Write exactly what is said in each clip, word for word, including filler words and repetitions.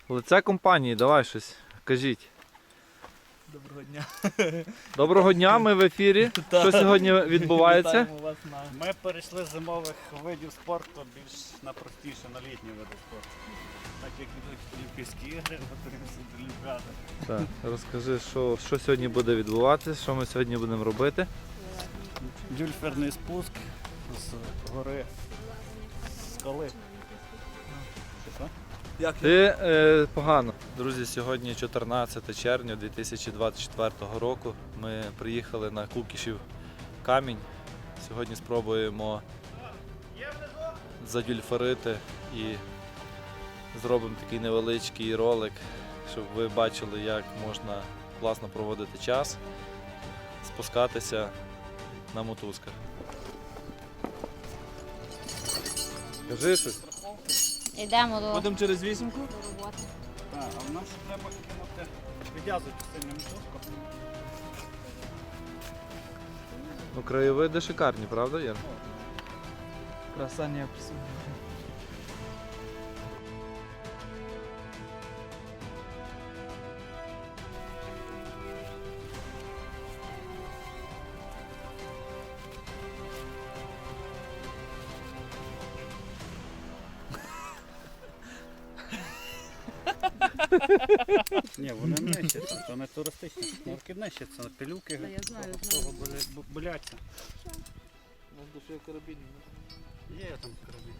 Лице компанії, давай щось, кажіть. Доброго дня. Доброго дня, ми в ефірі. Що сьогодні відбувається? Вітаємо вас на... Ми перейшли з зимових видів спорту більш на простіше, на літні види спорту. Так як ідуть Олімпійські ігри, готуємося до Олімпіади. Так, розкажи, що, що сьогодні буде відбуватися, що ми сьогодні будемо робити. Дюльферний спуск з гори скали. Що? Як Ти е, погано. Друзі, сьогодні чотирнадцяте червня дві тисячі двадцять четвертого року. Ми приїхали на Кукішів камінь. Сьогодні спробуємо задюльферити і зробимо такий невеличкий ролик, щоб ви бачили, як можна класно проводити час, спускатися на мотузках. Кажи щось. Йдемо до Будемо через вісімку? роботи. Так, а нам ще треба кинути, відв'язувати сильно мотузку. Ну, краєвиди шикарні, правда, Яр? Краса не описує. Ні, вони нищаться, це не туристичні шнурки нищаться, пилюки я знаю, того боля- бу- боляться. У нас душі карабін. Є там карабін.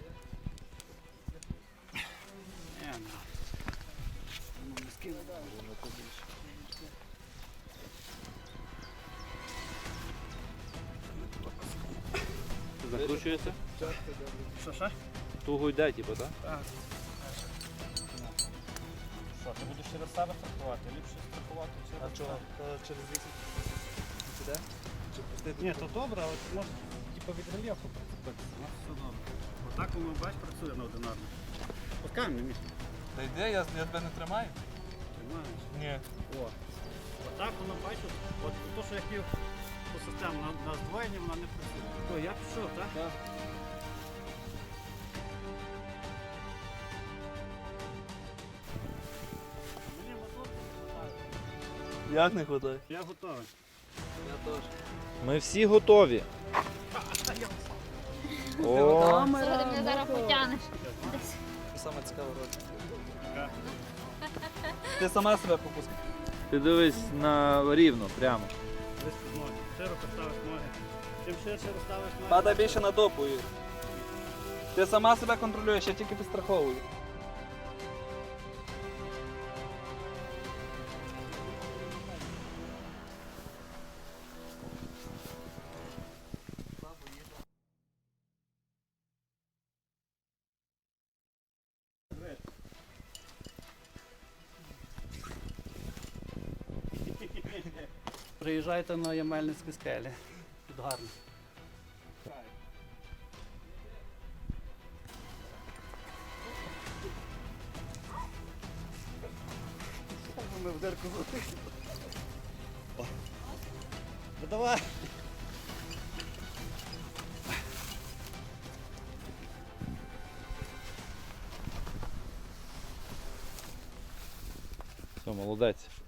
Ні, ну. Ну, не скину. Закручується? Що, що? Туго йде, типу, так? Так. Що, ти будеш через себе страхувати? Ліпше страхувати через А чого? Через вісімку? Сюди? Чи пустити? Ні, то добре, але ти можеш типу, від рельєфу прицепитися. У нас все добре. Отак воно, бач, працює на одинарно. Пускай мені місце. Та йде, я, я тебе не тримаю? Тримаєш. Ні. О. Отак воно, бачиш, от то, що я хотів ту систему на, на здвоєння, вона не працює. То я пішов, так? Так. Мені мотор не хватає. Як не вистачає? Я готовий. Я теж. Ми всі готові. О, Слухай, ти мене зараз потягнеш. Це саме цікаве роль. Яка? Ти сама себе попускай. ти дивись на рівно, прямо. Десь під ноги. Широко ставиш ноги. Чим ширше розставиш ноги. Падай більше на допу, Юр. Ти сама себе контролюєш, я тільки підстраховую. Приїжджайте на Ямельницькі скелі. Тут гарно. Ми в дирку залетіли. Ну давай. Все, молодець.